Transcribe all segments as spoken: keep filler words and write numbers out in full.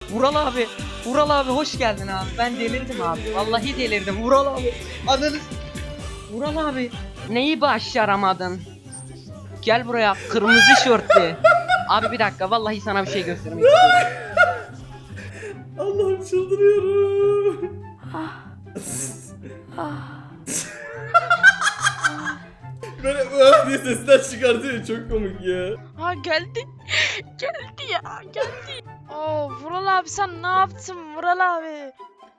Vural abi. Vural abi hoş geldin abi. Ben delirdim abi. Vallahi delirdim. Vural abi. Ananı. Vural abi. Neyi başaramadın? Gel buraya kırmızı şortlu. Abi bir dakika vallahi sana bir şey göstermek istiyorum. Allah'ım çıldırıyorum. Böyle öf diye sesler çıkartıyor, çok komik ya. Ha geldi. Geldi ya geldi. Oo Vural abi sen ne yaptın Vural abi?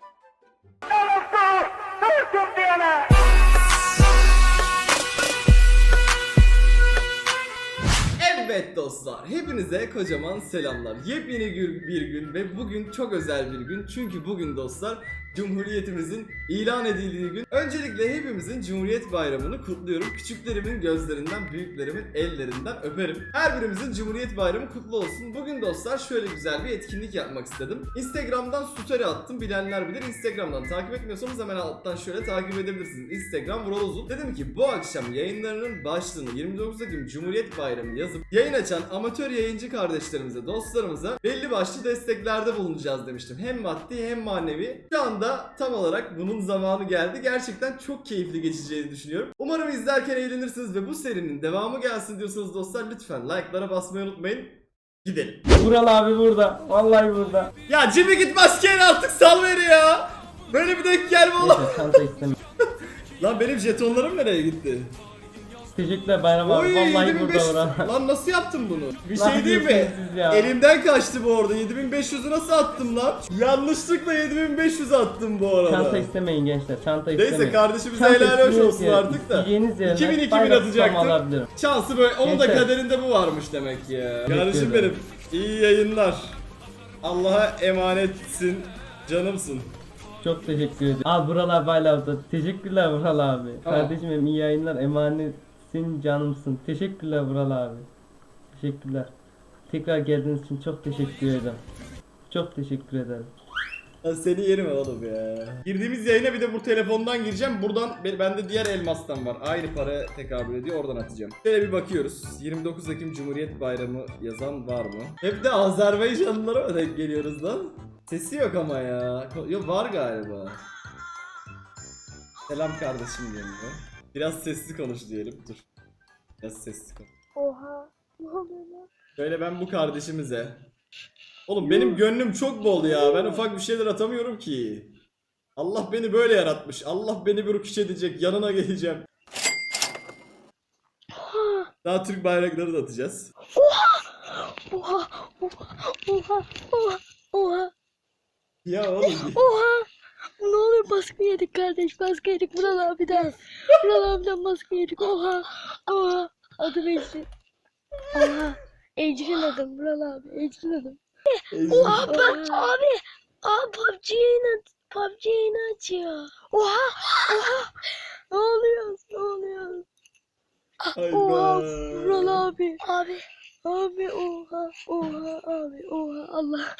Evet dostlar, hepinize kocaman selamlar. Yepyeni gü- bir gün ve bugün çok özel bir gün. Çünkü bugün dostlar Cumhuriyetimizin ilan edildiği gün. Öncelikle hepimizin Cumhuriyet Bayramı'nı kutluyorum. Küçüklerimin gözlerinden, büyüklerimin ellerinden öperim. Her birimizin Cumhuriyet Bayramı kutlu olsun. Bugün dostlar şöyle güzel bir etkinlik yapmak istedim. Instagram'dan story attım, bilenler bilir. Instagram'dan takip etmiyorsanız hemen alttan şöyle takip edebilirsiniz. Instagram Vural Uzun. Dedim ki bu akşam yayınlarının başlığını yirmi dokuz Ekim Cumhuriyet Bayramı yazıp yayın açan amatör yayıncı kardeşlerimize, dostlarımıza belli başlı desteklerde bulunacağız demiştim. Hem maddi hem manevi. Şu anda tam olarak bunun zamanı geldi. Gerçekten çok keyifli geçeceğini düşünüyorum. Umarım izlerken eğlenirsiniz ve bu serinin devamı gelsin diyorsanız dostlar lütfen like'lara basmayı unutmayın. Gidelim. Vural abi burada. Vallahi burada. Ya Jimmy git maskeyle artık sal beni ya. Böyle bir denk gelme oğlum. Neyse çanta istemiyorum. Lan benim jetonlarım nereye gitti? Teşekkürler Bayram abi. Oy, Vallahi yedi bin burada beş yüz. Vural. Lan nasıl yaptın bunu? Bir Lan şey değil mi? diyorsunuz siz ya. Elimden kaçtı bu arada. yedi bin beş yüzü nasıl attım lan? Yanlışlıkla yedi bin beş yüz attım bu arada. Çanta istemeyin gençler. Çanta istemeyin. Neyse kardeşimize Çanta helal hoş isteyeceğiz olsun ya. artık da. İsteyeceğiniz yerine iki bin iki bin bayrak tutamı atacaktım. alabilirim. Şansı böyle. Onun da Gençler. kaderinde bu varmış demek ya. Kardeşim ederim. benim. İyi yayınlar. Allah'a emanetsin. Canımsın. Çok teşekkür ederim. Abi Vural abi hala orada. Teşekkürler Vural abi. Tamam. Kardeşim benim iyi yayınlar. Emanetsin canımsın. Teşekkürler Vural abi. Teşekkürler. Tekrar geldiğiniz için çok teşekkür ederim. Çok teşekkür ederim. Ya seni yerim oğlum ya. Girdiğimiz yayına bir de bu telefondan gireceğim. Buradan bende diğer elmastan var. Aynı para tekabül ediyor. Oradan atacağım. Şöyle bir bakıyoruz. yirmi dokuz Ekim Cumhuriyet Bayramı yazan var mı? Hep de Azerbaycanlılara mı denk geliyoruz lan? Sesi yok ama ya. Yok var galiba. Selam kardeşim diyelim. Biraz sesli konuş diyelim. Dur. Biraz sesli konuş. Oha. Ne oluyor lan? Şöyle ben bu kardeşimize. Oğlum benim gönlüm çok bol ya. Ben ufak bir şeyler atamıyorum ki. Allah beni böyle yaratmış. Allah beni bir rüküş edecek. Yanına geleceğim. Daha Türk bayrakları da atacağız. Oha. Oha. Oha. Oha. Oha. Ya oğlum. Oha. Ne oluyor baskı yedik kardeş baskı yedik Vural abiden. Vural abiden baskı yedik. Oha. Oha. Adım Ecrin. Oha. Ecrin adım Vural abi. Ecrin adım. Oha ben abi. Abi P U B G yayını P U B G yayını açıyor. Oha. Oha. Ne oluyor? Ne oluyor? Oha. Vural abi. Abi. Abi oha. Oha abi. Oha Allah.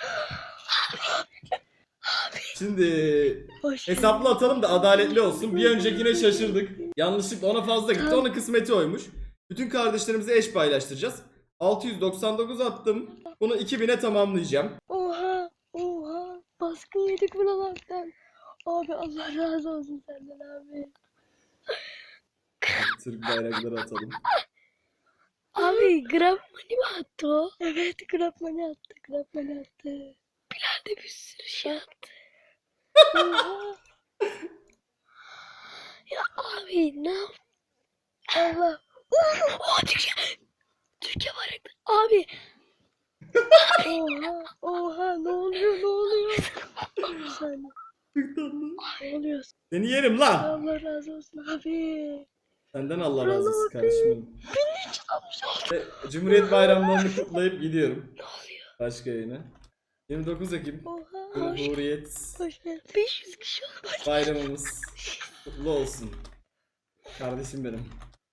Şimdi Hoş hesaplı atalım da adaletli olsun. Bir öncekine şaşırdık. Yanlışlıkla ona fazla gitti. Onun kısmeti oymuş. Bütün kardeşlerimize eş paylaştıracağız. altı yüz doksan dokuz attım. Bunu iki bine tamamlayacağım. Oha, oha. Baskı yedik buralardan. Abi Allah razı olsun senden abi. Türk bayrakları atalım. Abi Grab Money mi attı o? Evet Grab Money attı, Grab Money attı. Bilal de bir sürü şey attı. Oha. Ya abi ne yap? Allah. Oha Türkiye. Türkiye bayrakları. Abi. Oha, oha ne oluyor ne oluyor? Bir saniye. Ne oluyor? Seni yerim lan. Allah razı olsun abi. Senden Allah razı olsun Bravo kardeşim benim. Beni hiç almış. Ve Cumhuriyet bayramlarını kutlayıp gidiyorum. Ne oluyor? Başka yayına. yirmi dokuz Ekim Oha. Hoş, Cumhuriyet hoş geldin. beş yüz kişi oldu. bayramımız kutlu olsun. Kardeşim benim.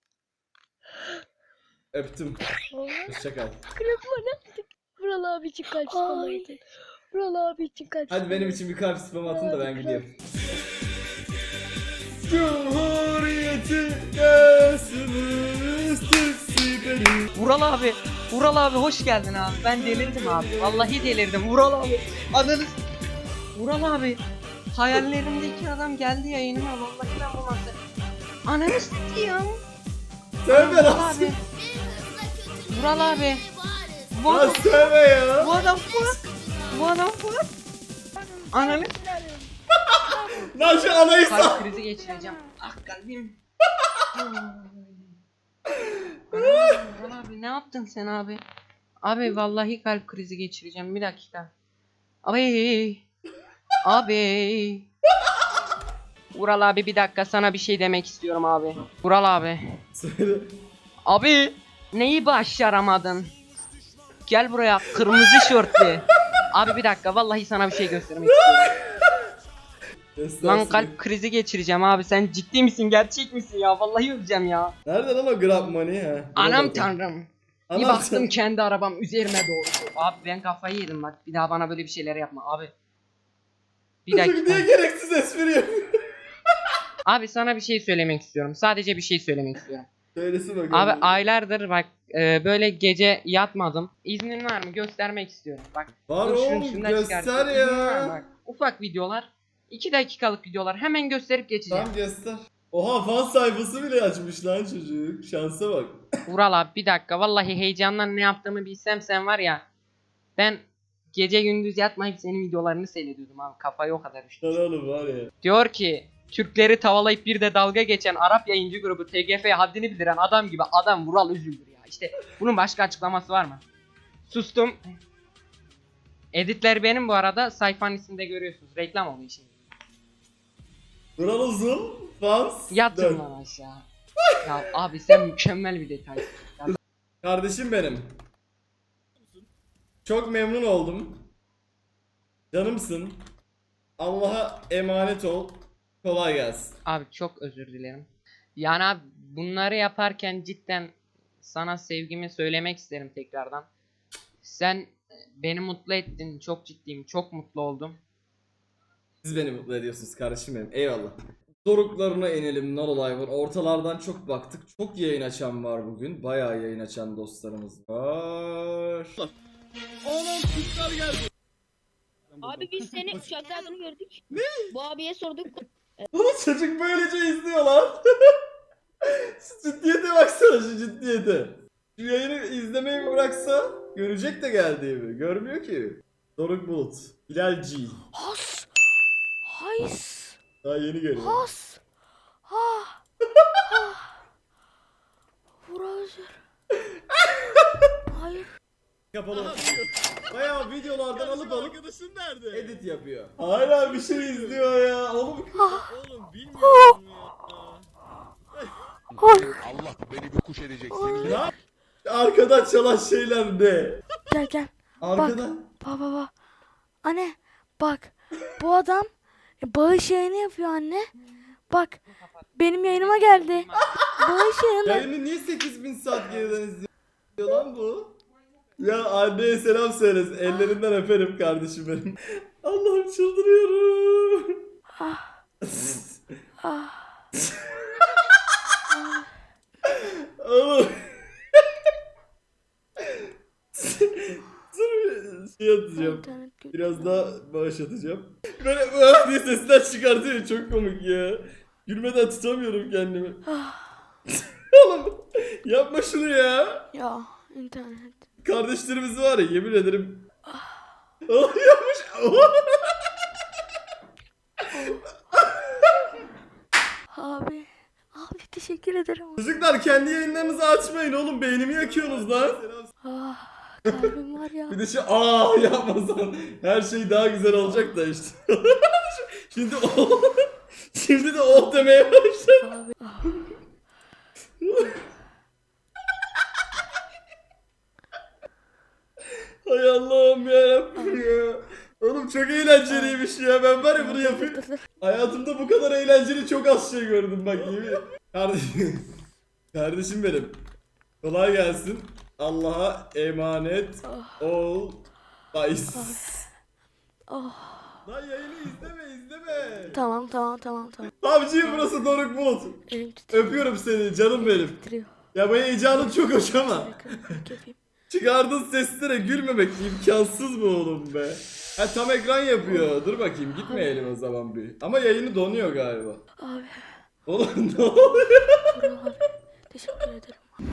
Öptüm. Oha. Hoşçakal. Grabma ne yaptık? Vural abi için kalp spam atın. Vural abi için kalp Hadi benim için bir kalp spam atın da ben gidiyorum. Cumhuriyeti yaşımız Türk Vural abi, Vural abi hoş geldin abi. Ben delirdim abi. Vallahi delirdim. Vural abi. Ananı s- Vural abi. Hayallerimdeki adam geldi yayınıma. Vallahi ben bu nasıl? Ananı s**eyim. Sövme Vural lan. abi. Vural abi. Bu Lan adam, sövme ya. bu adam fuck. Bu adam fuck. Ananı Lan şu anayı sal. kalp krizi geçireceğim. Ah kalbim. Vural abi ne yaptın sen abi? Abi vallahi kalp krizi geçireceğim. Bir dakika. Abi. Abi. Vural abi bir dakika sana bir şey demek istiyorum abi. Vural abi. Söyle. Abi neyi başaramadın? Gel buraya kırmızı şortlu. Abi bir dakika vallahi sana bir şey göstermek istiyorum. Lan kalp krizi geçireceğim abi sen ciddi misin gerçek misin ya vallahi öleceğim ya. Nerede lan o Grab Money ha? Anam tanrım. Bir Anam baktım tanrım. kendi arabam üzerime doğru. Abi ben kafayı yedim bak bir daha bana böyle bir şeyler yapma abi. Bir Çocuk dakika. niye gereksiz espri yapıyor? Abi sana bir şey söylemek istiyorum. Sadece bir şey söylemek istiyorum. Söylesin bakalım. Abi aylardır bak e, böyle gece yatmadım. İznin var mı? Göstermek istiyorum. Bak. Var dur şunu oğlum, şundan göster çıkartayım. ya. İznin var mı? Bak, ufak videolar. iki dakikalık videolar. Hemen gösterip geçeceğim. Tamam göster. Oha fan sayfası bile açmış lan çocuk. Şansa bak. Vural abi bir dakika. Vallahi heyecandan ne yaptığımı bilsem sen var ya. Ben gece gündüz yatmayıp senin videolarını seyrediyordum abi. Kafayı o kadar üşüdüm. Lan oğlum var ya. Diyor ki Türkleri tavalayıp bir de dalga geçen Arap yayıncı grubu T G F'ye haddini bildiren adam gibi adam Vural Üzüldür ya. İşte bunun başka açıklaması var mı? Sustum. Editler benim bu arada. Sayfanın isminde görüyorsunuz. Reklam oluyor şimdi. Vural Uzun. Fans. Yatın dön. lan aşağı. Ya abi sen mükemmel bir detaysın. Ya Kardeşim benim. Çok memnun oldum. Canımsın. Allah'a emanet ol. Kolay gelsin. abi çok özür dilerim. Yani abi bunları yaparken cidden sana sevgimi söylemek isterim tekrardan. Sen beni mutlu ettin. Çok ciddiyim. Çok mutlu oldum. Siz beni mutlu ediyorsunuz kardeşim benim. Eyvallah. Doruklarına inelim. Not olay var. Ortalardan çok baktık. Çok yayın açan var bugün. Bayağı yayın açan dostlarımız var. Anam kutlar geldi. Abi biz seni uçakta gördük. Ne? Bu abiye sorduk. Oğlum çocuk böylece izliyor lan. Şu ciddiyete baksana, şu ciddiyete. Şu yayını izlemeyi mi bıraksa görecek de geldiğimi. Görmüyor ki. Doruk Bulut. Hilal G. Has. Hays. Daha yeni görüyor. Has. Ha. Ha. Vural. Hayır. Kapalı. Bayağı videolardan alıp alıp arkadaşın nerede? Edit yapıyor. Hala bir şey izliyor ya. Oğlum. Oğlum bilmiyorum ya. Allah beni bir kuş edecek seni. Ne? Arkadan çalan şeyler ne? Gel gel. Arkadan. Bak baba. Anne bak. Bu adam bağış yayını yapıyor anne. Bak. Benim yayınıma geldi. Bağış yayını. Yayını niye sekiz bin saat geriden izliyor lan bu? Ya anneye selam söylesin. Ellerinden öperim kardeşim benim. Allah'ım çıldırıyorum. Ah. Ah. Oğlum. Dur şey atacağım. İnternet kötü. Biraz daha bağış atacağım. Böyle "Vah" diye sesler çıkartıyor. Çok komik ya. Gülmeden tutamıyorum kendimi. Oğlum yapma şunu ya. Ya internet. Kardeşlerimiz var ya, yemin ederim. Oğlum yapmış. Abi. Abi teşekkür ederim. Çocuklar kendi yayınlarınızı açmayın oğlum. Beynimi yakıyorsunuz lan. Ah. Kalbim var ya. Bir de şu aa yapmasan her şey daha güzel olacak da işte. Şimdi o şimdi de o demeye başladı. Abi. Ah. Hay Allah'ım yarabbim ya. Oğlum çok eğlenceliymiş ya. Ben var ya bunu yapayım. Dur, dur. Hayatımda bu kadar eğlenceli çok az şey gördüm bak yemin. Kardeşim. Kardeşim benim. Kolay gelsin. Allah'a emanet ol. Bayis. Oh. Lan yayını izleme izleme. Tamam tamam tamam tamam. Avcıyım burası Doruk Bulut. Elim titriyor. Öpüyorum seni canım benim. Titriyor. Ya bu heyecanın çok hoş ama. Yapayım. Çıkardığın seslere gülmemek imkansız mı oğlum be? Ha tam ekran yapıyor. Dur bakayım gitmeyelim o zaman bir. Ama yayını donuyor galiba. Abi. Oğlum ne oluyor? Vural abi. Teşekkür ederim.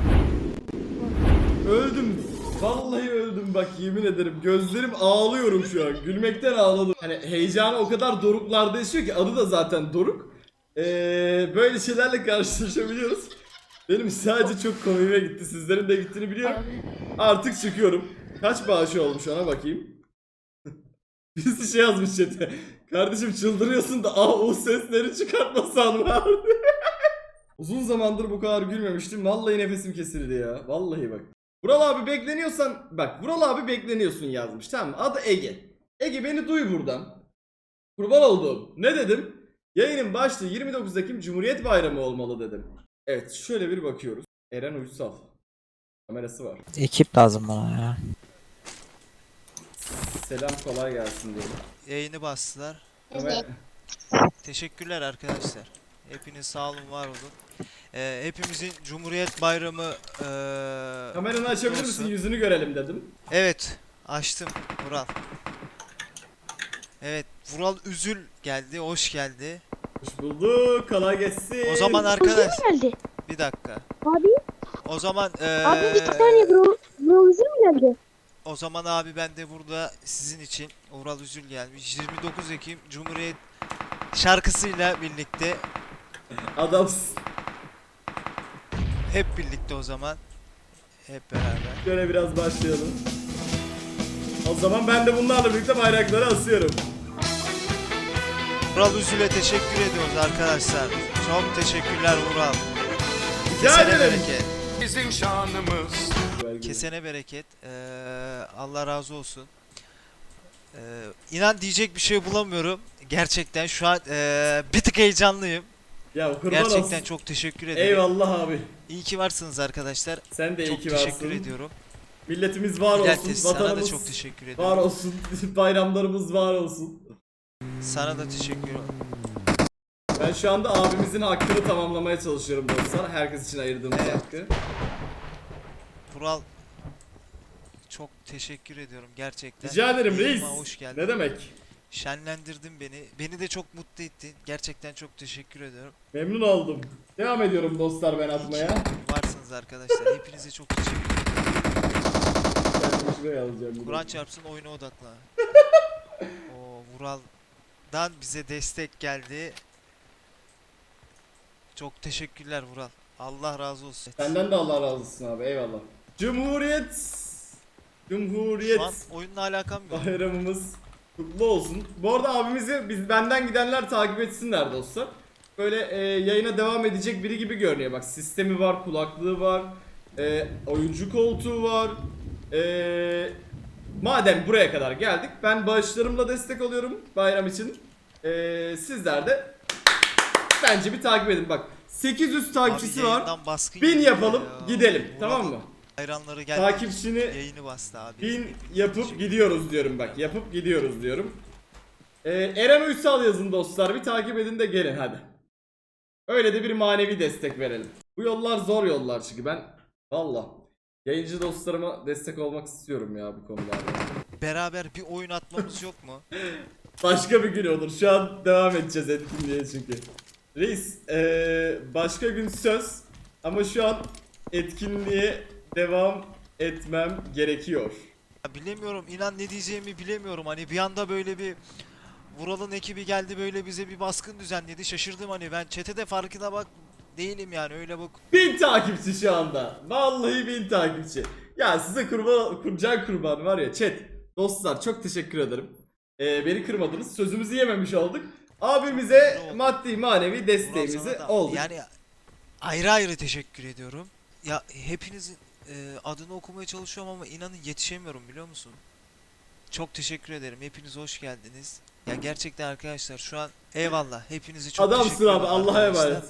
Öldüm. Vallahi öldüm bak yemin ederim. Gözlerim ağlıyorum şu an. Gülmekten ağladım. Hani heyecanı o kadar doruklarda yaşıyor ki adı da zaten doruk. Ee, böyle şeylerle karşılaşabiliyoruz. Benim sadece çok komiğime gitti. Sizlerin de gittiğini biliyorum. Abi. Artık çıkıyorum. Kaç bağışı olmuş ona bakayım. Birisi şey yazmış chat'e. Kardeşim çıldırıyorsun da ah o sesleri çıkartmasan vardı. Uzun zamandır bu kadar gülmemiştim. Vallahi nefesim kesildi ya. Vallahi bak. Vural abi bekleniyorsan bak Vural abi bekleniyorsun yazmış tamam mı? Adı Ege. Ege beni duy buradan. Kurban olduğum. Ne dedim? Yayının başlığı yirmi dokuz Ekim Cumhuriyet Bayramı olmalı dedim. Evet şöyle bir bakıyoruz. Eren Uysal. Kamerası var. Ekip lazım bana ya. Selam kolay gelsin diyelim. Yayını bastılar. Kamer- Teşekkürler arkadaşlar. Hepiniz sağ olun, var olun. Ee, hepimizin Cumhuriyet Bayramı ee, Kameranı açabilir olsun. misin? Yüzünü görelim dedim. Evet, açtım Vural. Evet, Vural Üzül geldi, hoş geldi. Hoş bulduk. Kolay gelsin. O zaman arkadaş, geldi. bir dakika. Abi. O zaman Abi ee, iki saniye bro. Bro üzüm mü geldi? o zaman abi ben de burada sizin için Vural Üzül gelmiş. yirmi dokuz Ekim Cumhuriyet şarkısıyla birlikte Adamsın. hep birlikte o zaman. Hep beraber. Şöyle biraz başlayalım. O zaman ben de bunlarla birlikte bayrakları asıyorum. Vural Üzül'e teşekkür ediyoruz arkadaşlar. Çok teşekkürler Vural. Rica Kesene ederim. bereket. Bizim şanımız. Kesene bereket. Ee, Allah razı olsun. Ee, inan diyecek bir şey bulamıyorum. Gerçekten şu an ee, bir tık heyecanlıyım. Ya kurban Gerçekten olsun. çok teşekkür ederim. Eyvallah abi. İyi ki varsınız arkadaşlar. Sen de iyi Çok ki teşekkür varsın. ediyorum. Milletimiz var olsun. Pilates, sana da Vatanımız çok teşekkür var ediyorum. olsun. Bayramlarımız var olsun. Sana da teşekkür ederim. Ben şu anda abimizin hakkını tamamlamaya çalışıyorum dostlar. Herkes için ayırdığımız Evet. hakkı. Vural, çok teşekkür ediyorum gerçekten. Rica ederim reis. Yayınıma hoş geldin. Ne demek? Şenlendirdin beni. Beni de çok mutlu ettin. Gerçekten çok teşekkür ediyorum. Memnun oldum. Devam ediyorum dostlar ben atmaya. Varsınız arkadaşlar. Hepinize çok teşekkür ederim. Ben şuraya alacağım. Kur'an çarpsın, oyuna odaklan. O Vural'dan bize destek geldi. Çok teşekkürler Vural. Allah razı olsun. Senden de Allah razı olsun abi eyvallah. Cumhuriyet Cumhuriyet Şu an oyunla alakam yok. bayramımız kutlu olsun. Bu arada abimizi biz benden gidenler takip etsinler dostlar. Böyle e, yayına devam edecek biri gibi görünüyor. Bak sistemi var, kulaklığı var, e, oyuncu koltuğu var. E, madem buraya kadar geldik, ben bağışlarımla destek oluyorum bayram için. E, sizler de bence bir takip edin. Bak sekiz yüz takipçisi Abi var. yayından baskın bin geliyor yapalım, ya. gidelim. Vural Tamam mı? Hayranları geldi. Takipçini Yayını bastı abi. bin Hepinize yapıp teşekkür- gidiyoruz diyorum bak. Yapıp gidiyoruz diyorum. Ee, Eren Uysal yazın dostlar. Bir takip edin de gelin hadi. Öyle de bir manevi destek verelim. Bu yollar zor yollar çünkü ben valla yayıncı dostlarıma destek olmak istiyorum ya bu konularda. Beraber bir oyun atmamız yok mu? Başka bir gün olur. Şu an devam edeceğiz etkinliğe çünkü. Reis ee, başka gün söz ama şu an etkinliğe devam etmem gerekiyor. Ya bilemiyorum, inan ne diyeceğimi bilemiyorum. Hani bir anda böyle bir Vural'ın ekibi geldi, böyle bize bir baskın düzenledi. Şaşırdım, hani ben chat'e de farkına bak değilim yani, öyle bak. Bin takipçi şu anda. Vallahi bin takipçi. Ya size kurban, kurcan kurban var ya chat. Dostlar çok teşekkür ederim. Ee, beni kırmadınız. Sözümüzü yememiş olduk. Abimize maddi manevi Vural desteğimizi sana da- olduk. Yani ayrı ayrı teşekkür ediyorum. Ya hepinizin e, adını okumaya çalışıyorum ama inanın yetişemiyorum, biliyor musun? Çok teşekkür ederim. Hepiniz hoş geldiniz. Ya gerçekten arkadaşlar şu an eyvallah. Hepinizi çok Adamsın teşekkür abi ederim Allah'a arkadaşlar. emanet.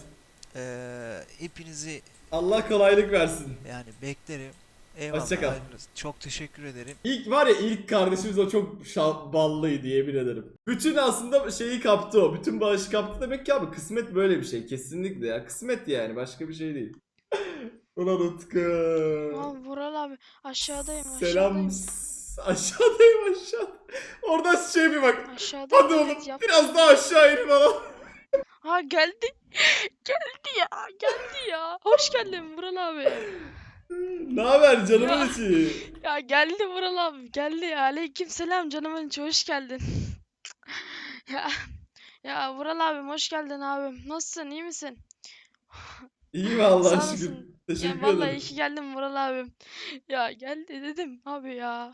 Ee, hepinizi Allah kolaylık versin. yani beklerim. Eyvallah. Hoşça kal. ayrılırız. Çok teşekkür ederim. İlk var ya ilk kardeşimiz o çok şa- ballıydı yemin ederim. Bütün aslında şeyi kaptı o. Bütün bağışı kaptı demek ki abi kısmet böyle bir şey. Kesinlikle ya. Kısmet yani başka bir şey değil. Ulan Utku. Aa, Vural abi aşağıdayım Selam. aşağıdayım. S- Aşağıdayım aşağı. Oradan şey bir bak. Aşağıdayım Hadi oğlum evet yap. biraz daha aşağı in falan. Ha geldi. Geldi ya geldi ya. Hoş geldin Vural abi. Ne haber canımın Ya. içi? Ya geldi Vural abi geldi ya. Aleyküm selam canımın içi hoş geldin. Ya ya Vural abim hoş geldin abim. Nasılsın iyi misin? İyi vallahi Sağ şükür. olasın. Teşekkür Ya vallahi ederim. iyi ki geldin Vural abim. Ya geldi dedim abi ya.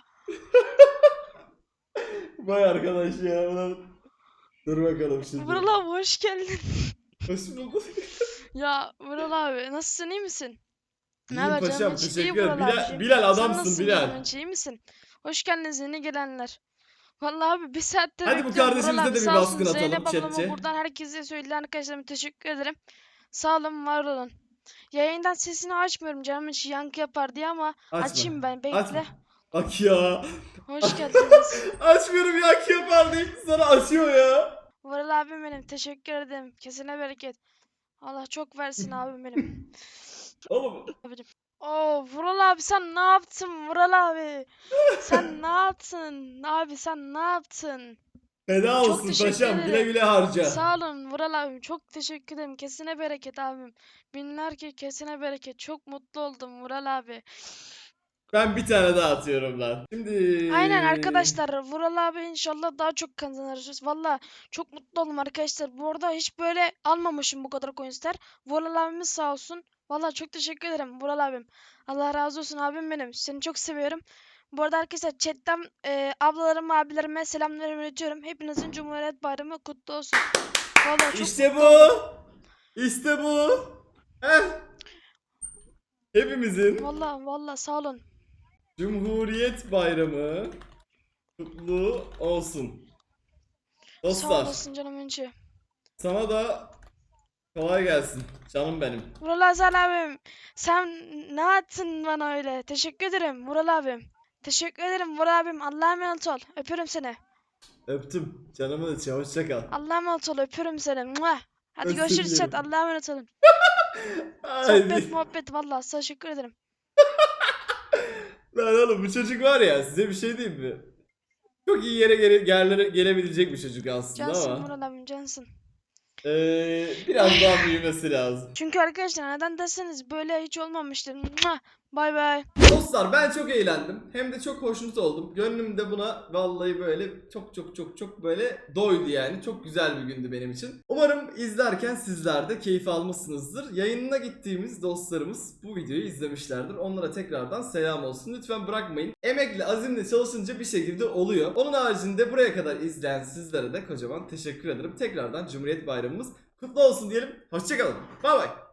Vay arkadaş ya. Ulan. Dur bakalım şimdi. Vural abi hoş geldin. Hoş bulduk. Ya Vural abi nasılsın iyi misin? Ne İyiyim haber paşam canım içi? İyi teşekkür ederim. Vural Bilal, abiciğim. Bilal Sen adamsın nasılsın Bilal. canım içi? İyi misin? Hoş geldiniz yeni gelenler. Vallahi abi bir saattir Hadi bu bekliyorum. Vural kardeşimize abi de bir sağ olsun. baskın atalım Zeynep ablama chat'e. buradan herkese söyledi arkadaşlarıma teşekkür ederim. Sağ olun var olun. Yayından sesini açmıyorum canım içi yankı yapar diye ama Açma. açayım ben bekle. Açma. Bak ya. Hoş geldiniz. Açmıyorum ya ki yapar deyip sana açıyor ya. Vural abim benim teşekkür ederim. Kesine bereket. Allah çok versin abim benim. Oğlum Oo Vural abi sen ne yaptın Vural abi? Sen ne yaptın? Abi sen ne yaptın? feda Çok olsun teşekkür paşam. Güle ederim. güle harca. Sağ olun Vural abim. Çok teşekkür ederim. Kesine bereket abim. Binlerce kesine bereket. Çok mutlu oldum Vural abi. Ben bir tane daha atıyorum lan. Şimdi. Aynen arkadaşlar. Vural abi inşallah daha çok kazanırız. Valla çok mutlu oldum arkadaşlar. Bu arada hiç böyle almamışım bu kadar coinsler. Vural abimiz sağ olsun. Valla çok teşekkür ederim Vural abim. Allah razı olsun abim benim. Seni çok seviyorum. Bu arada arkadaşlar chatten e, ablalarıma abilerime selamlarımı iletiyorum. Hepinizin Cumhuriyet Bayramı kutlu olsun. Valla çok İşte mutlu bu. oldum. İşte bu. Heh. Hepimizin Valla valla sağ olun. Cumhuriyet Bayramı kutlu olsun. Sağ Dostlar olasın canımın içi. sana da kolay gelsin canım benim. Vural Hasan abim. Sen ne yaptın bana öyle? Teşekkür ederim Vural abim. Teşekkür ederim Vural abim. Allah'a emanet ol. Öpüyorum seni. Öptüm canımın içi hoşça kal. Allah'a emanet ol. Öpüyorum seni. Mua. Hadi Özür görüşürüz chat. dilerim. Allah'a emanet olun. Haydi. Sohbet muhabbet vallahi teşekkür ederim. Lan oğlum bu çocuk var ya size bir şey diyeyim mi? Çok iyi yere gele, yerlere gelebilecek bir çocuk aslında Cansın ama Vural abim cansın. eee, biraz daha büyümesi lazım. Çünkü arkadaşlar neden derseniz böyle hiç olmamıştır. Mua. Bay bay. Dostlar ben çok eğlendim. Hem de çok hoşnut oldum. Gönlüm de buna vallahi böyle çok çok çok çok böyle doydu yani. Çok güzel bir gündü benim için. Umarım izlerken sizler de keyif almışsınızdır. Yayınına gittiğimiz dostlarımız bu videoyu izlemişlerdir. Onlara tekrardan selam olsun. Lütfen bırakmayın. Emekle, azimle çalışınca bir şekilde oluyor. Onun haricinde buraya kadar izleyen sizlere de kocaman teşekkür ederim. Tekrardan Cumhuriyet Bayramımız kutlu olsun diyelim. Hoşçakalın. Bay bay.